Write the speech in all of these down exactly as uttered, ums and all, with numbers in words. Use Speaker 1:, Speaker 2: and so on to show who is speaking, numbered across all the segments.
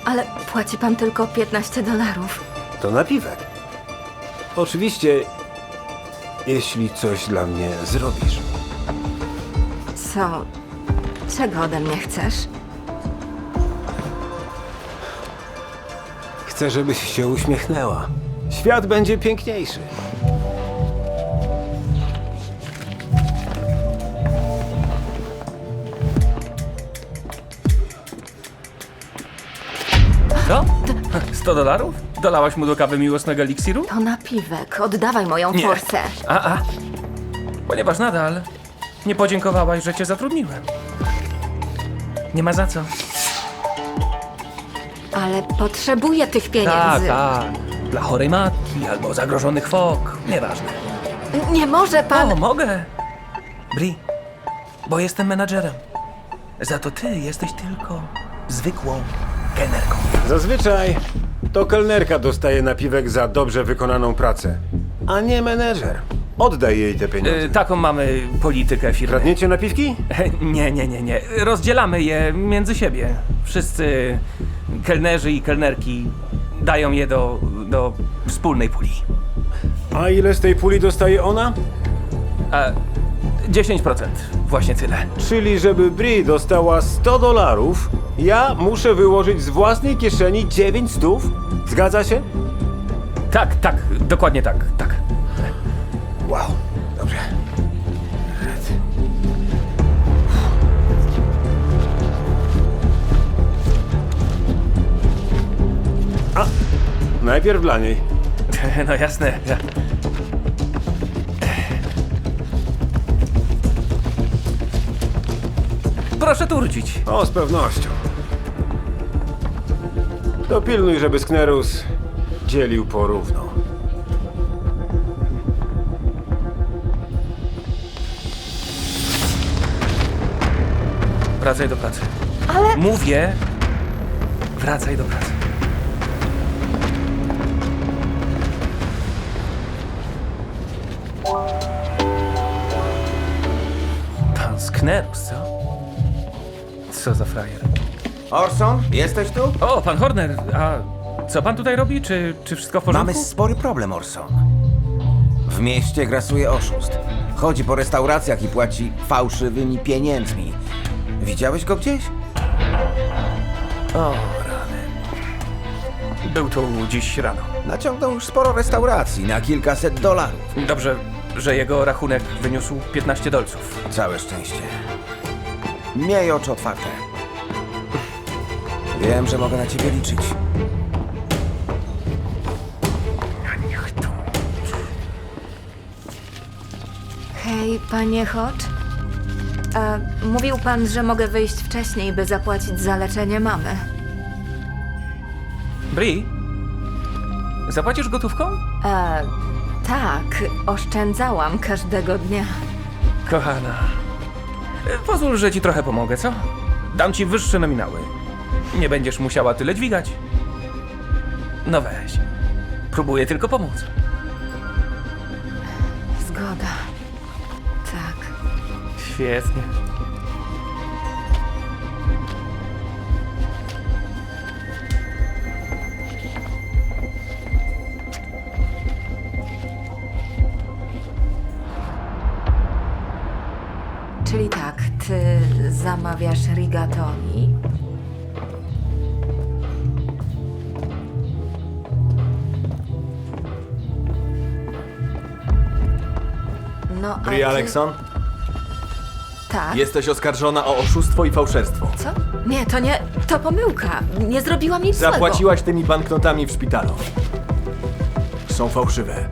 Speaker 1: Ale płaci pan tylko piętnaście dolarów.
Speaker 2: To napiwek. Oczywiście, jeśli coś dla mnie zrobisz.
Speaker 1: Co? Czego ode mnie chcesz?
Speaker 2: Chcę, żebyś się uśmiechnęła. Świat będzie piękniejszy.
Speaker 3: Co? sto dolarów? Dolałaś mu do kawy miłosnego eliksiru?
Speaker 1: To napiwek. Oddawaj moją
Speaker 3: Nie.
Speaker 1: forsę.
Speaker 3: A, a. Ponieważ nadal nie podziękowałaś, że cię zatrudniłem. Nie ma za co.
Speaker 1: Ale potrzebuję tych
Speaker 3: Tak,
Speaker 1: pieniędzy.
Speaker 3: tak. Dla chorej matki albo zagrożonych fok. Nieważne.
Speaker 1: Nie może pan...
Speaker 3: O, mogę. Bri, bo jestem menadżerem. Za to ty jesteś tylko zwykłą kelnerką.
Speaker 2: Zazwyczaj to kelnerka dostaje napiwek za dobrze wykonaną pracę, a nie menedżer. Oddaj jej te pieniądze.
Speaker 3: Y, taką mamy politykę firmy.
Speaker 2: Kradniecie napiwki?
Speaker 3: Nie, nie, nie, nie. Rozdzielamy je między siebie. Wszyscy kelnerzy i kelnerki dają je do, do wspólnej puli.
Speaker 2: A ile z tej puli dostaje ona?
Speaker 3: A dziesięć procent. Właśnie tyle.
Speaker 2: Czyli żeby Bri dostała sto dolarów, ja muszę wyłożyć z własnej kieszeni dziewięć stów? Zgadza się?
Speaker 3: Tak, tak, dokładnie tak, tak.
Speaker 2: Wow, dobrze. A, najpierw dla niej.
Speaker 3: No jasne. Ja- Proszę tu wrócić.
Speaker 2: O, z pewnością. Dopilnuj, żeby Sknerus dzielił porówno.
Speaker 3: Wracaj do pracy.
Speaker 1: Ale...
Speaker 3: Mówię, wracaj do pracy. Pan Sknerus, co? Co za frajer.
Speaker 4: Orson, jesteś tu?
Speaker 3: O, pan Horner, a co pan tutaj robi? Czy, czy wszystko w porządku?
Speaker 4: Mamy spory problem, Orson. W mieście grasuje oszust. Chodzi po restauracjach i płaci fałszywymi pieniędzmi. Widziałeś go gdzieś?
Speaker 3: O, rany. Był tu dziś rano.
Speaker 4: Naciągnął już sporo restauracji na kilkaset dolarów.
Speaker 3: Dobrze, że jego rachunek wyniósł piętnaście dolców.
Speaker 4: Całe szczęście. Miej oczy otwarte. Wiem, że mogę na ciebie liczyć.
Speaker 1: Hej, panie Hodge. E, mówił pan, że mogę wyjść wcześniej, by zapłacić za leczenie mamy.
Speaker 3: Bri, zapłacisz gotówką?
Speaker 1: E, tak, oszczędzałam każdego dnia.
Speaker 3: Kochana, e, pozwól, że ci trochę pomogę, co? Dam ci wyższe nominały. Nie będziesz musiała tyle dźwigać. No weź. Próbuję tylko pomóc.
Speaker 1: Zgoda. Tak.
Speaker 3: Świetnie.
Speaker 1: Czyli tak, ty zamawiasz rigatoni. No, a
Speaker 5: Bri
Speaker 1: ty...
Speaker 5: Alekson,
Speaker 1: Tak.
Speaker 5: jesteś oskarżona o oszustwo i fałszerstwo.
Speaker 1: Co? Nie, to nie... To pomyłka. Nie zrobiłam nic złego.
Speaker 5: Zapłaciłaś tymi banknotami w szpitalu. Są fałszywe.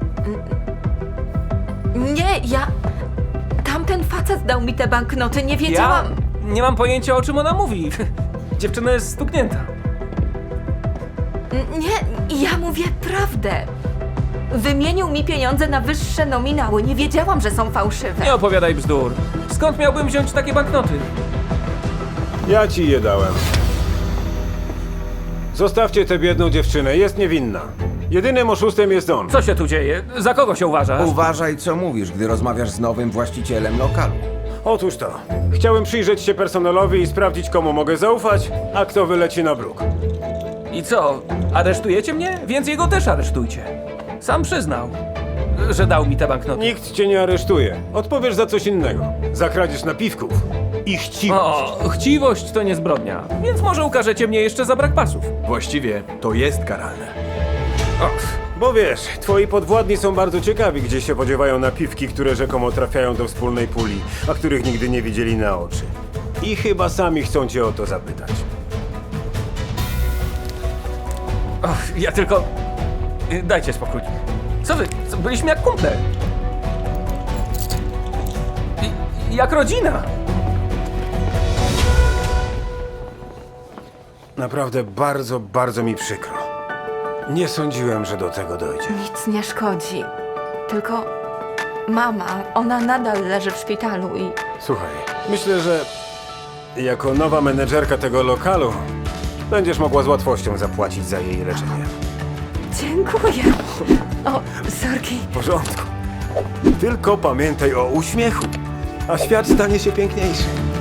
Speaker 1: Nie, ja... Tamten facet dał mi te banknoty, nie wiedziałam...
Speaker 3: Ja nie mam pojęcia, o czym ona mówi. Dziewczyna jest stuknięta.
Speaker 1: N- Nie, ja mówię prawdę. Wymienił mi pieniądze na wyższe nominały. Nie wiedziałam, że są fałszywe.
Speaker 3: Nie opowiadaj bzdur. Skąd miałbym wziąć takie banknoty?
Speaker 2: Ja ci je dałem. Zostawcie tę biedną dziewczynę, jest niewinna. Jedynym oszustem jest on.
Speaker 3: Co się tu dzieje? Za kogo się uważasz?
Speaker 4: Uważaj, co mówisz, gdy rozmawiasz z nowym właścicielem lokalu.
Speaker 2: Otóż to. Chciałem przyjrzeć się personelowi i sprawdzić, komu mogę zaufać, a kto wyleci na bruk.
Speaker 3: I co, aresztujecie mnie? Więc jego też aresztujcie. Sam przyznał, że dał mi te banknoty.
Speaker 2: Nikt cię nie aresztuje. Odpowiesz za coś innego. Za kradzież napiwków i chciwość.
Speaker 3: O, chciwość to nie zbrodnia, więc może ukażecie mnie jeszcze za brak pasów.
Speaker 5: Właściwie to jest karalne.
Speaker 3: O,
Speaker 2: Bo wiesz, twoi podwładni są bardzo ciekawi, gdzie się podziewają napiwki, które rzekomo trafiają do wspólnej puli, a których nigdy nie widzieli na oczy. I chyba sami chcą cię o to zapytać.
Speaker 3: o, ja tylko... Dajcie spokój. Co wy? Co, byliśmy jak kumple. I, jak rodzina.
Speaker 2: Naprawdę bardzo, bardzo mi przykro. Nie sądziłem, że do tego dojdzie.
Speaker 1: Nic nie szkodzi. Tylko mama, ona nadal leży w szpitalu i
Speaker 2: Słuchaj, myślę, że jako nowa menedżerka tego lokalu będziesz mogła z łatwością zapłacić za jej leczenie.
Speaker 1: dziękuję. O, sorki.
Speaker 2: W porządku. Tylko pamiętaj o uśmiechu, a świat stanie się piękniejszy.